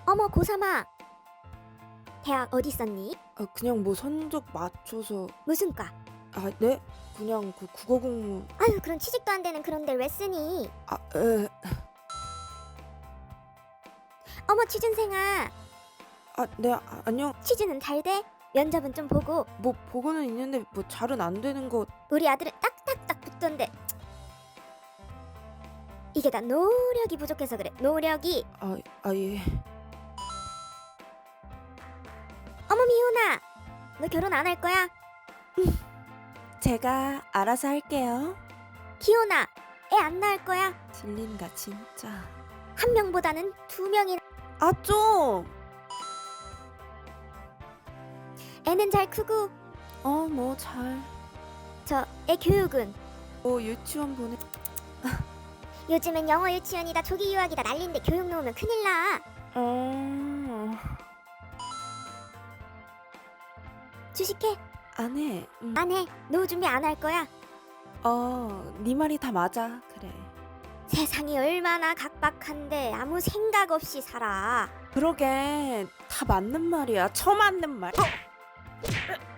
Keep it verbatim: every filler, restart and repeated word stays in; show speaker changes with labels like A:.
A: 어머 고삼아, 대학 어디 있었니?
B: 아 그냥 뭐 성적 맞춰서.
A: 무슨 과?
B: 아 네? 그냥 그 국어 공부.
A: 아유 그런 취직도 안 되는 그런 데를 왜 쓰니?
B: 아 에.
A: 어머 취준생아,
B: 아 네. 아, 안녕.
A: 취준은 잘 돼? 면접은 좀 보고.
B: 뭐 보고는 있는데 뭐 잘은 안 되는 거.
A: 우리 아들은 딱딱딱 붙던데. 이게 다 노력이 부족해서 그래. 노력이.
B: 아, 아 예.
A: 어머 미호나, 너 결혼 안 할 거야?
B: 제가 알아서 할게요.
A: 기호나, 애 안 낳을 거야?
B: 질린다 진짜.
A: 한 명보다는 두 명이나.
B: 아 좀.
A: 애는 잘 크고.
B: 어 뭐 잘.
A: 저 애 교육은?
B: 뭐 유치원 보내.
A: 요즘엔 영어 유치원이다 조기 유학이다 난린데 교육 놓으면 큰일 나.
B: 어.
A: 주식해?
B: 안 해. 음.
A: 안 해. 노후 준비 안 할 거야?
B: 어, 네 말이 다 맞아. 그래.
A: 세상이 얼마나 각박한데 아무 생각 없이 살아.
B: 그러게 다 맞는 말이야. 처맞는 말. 어!